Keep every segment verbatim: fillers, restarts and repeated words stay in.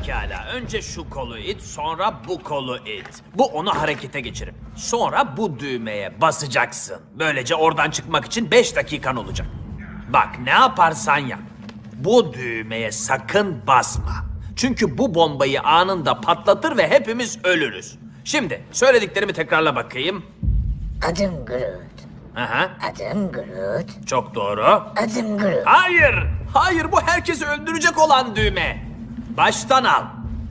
Pekala. Önce şu kolu it, sonra bu kolu it. Bu onu harekete geçirip sonra bu düğmeye basacaksın. Böylece oradan çıkmak için beş dakikan olacak. Bak ne yaparsan yap. Bu düğmeye sakın basma. Çünkü bu bombayı anında patlatır ve hepimiz ölürüz. Şimdi söylediklerimi tekrarla bakayım. Adım Groot. Aha, Adım Groot. çok doğru. Adım Groot. Hayır, hayır bu herkesi öldürecek olan düğme. Baştan al.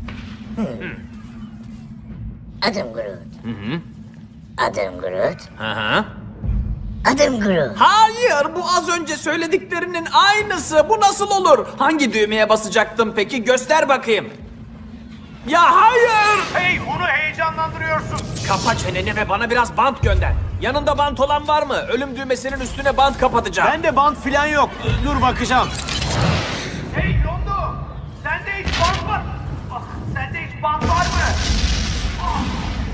Adım Groot. Adım Groot. Aha. Adım Groot. Hayır, bu az önce söylediklerinin aynısı. Bu nasıl olur? Hangi düğmeye basacaktım peki? Göster bakayım. Ya hayır! Hey, onu heyecanlandırıyorsun. Kapa çeneni ve bana biraz bant gönder. Yanında bant olan var mı? Ölüm düğmesinin üstüne bant kapatacağım. Bende bant filan yok. Dur bakacağım. Hey Yondo, sende hiç bant var. Ah, sende hiç bant var mı? Ah.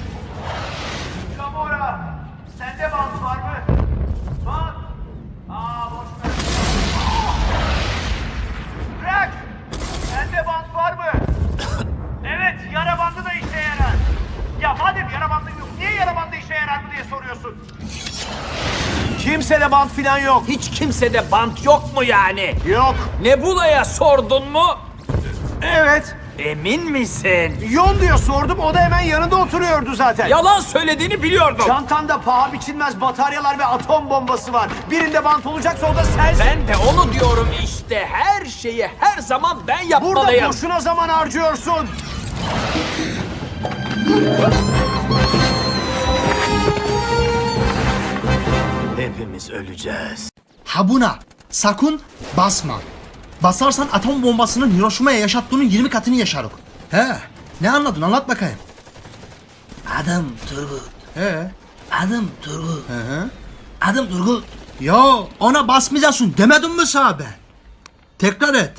Gamora, sende bant var mı? Bant. Aa, boş ver. Ah. Rex, sende bant var mı? Evet, yara bandı da işe yarar. Ya madem yara bandı yok, niye yara bandı işe yarar mı diye soruyorsun? Kimsede bant filan yok. Hiç kimsede bant yok mu yani? Yok. Nebula'ya sordun mu? Evet. Emin misin? Yon diyor sordum, o da hemen yanında oturuyordu zaten. Yalan söylediğini biliyordum. Çantanda paha biçilmez bataryalar ve atom bombası var. Birinde bant olacaksa o da sensin. Ben de onu diyorum işte. Her şeyi her zaman ben yapmalıyım. Burada boşuna zaman harcıyorsun. Hepimiz öleceğiz. Ha buna sakın basma. Basarsan atom bombasının Hiroşima'ya yaşattığının yirmi katını yaşarık. He, ne anladın anlat bakayım. Adım Turgut. He. Adım Turgut. Hı hı. Adım Turgut. Ya ona basmayacaksın demedim mi sana ben? Tekrar et.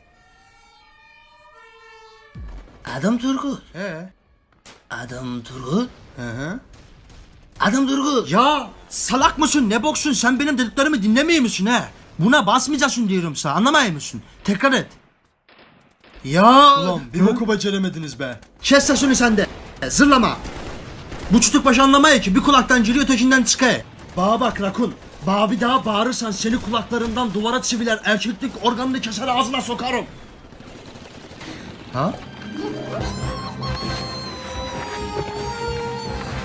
Adım Turgut. He. Adım Turgut. Hı hı. Adım Turgut. Ya salak mısın ne boksun sen benim dediklerimi dinlemiyor musun he? Buna basmayacaksın diyorum sana anlamıyor musun? Tekrar et. Ya. Ulan bir boku beceremediniz be. Kes sesini sen de. Zırlama. Bu çocuk baş anlamaya ki bir kulaktan giriyor ötekinden çıkıyor. Bana bak Rakun. Bana bir daha bağırırsan seni kulaklarından duvara çiviler erkeklik organını keser ağzına sokarım. Ha?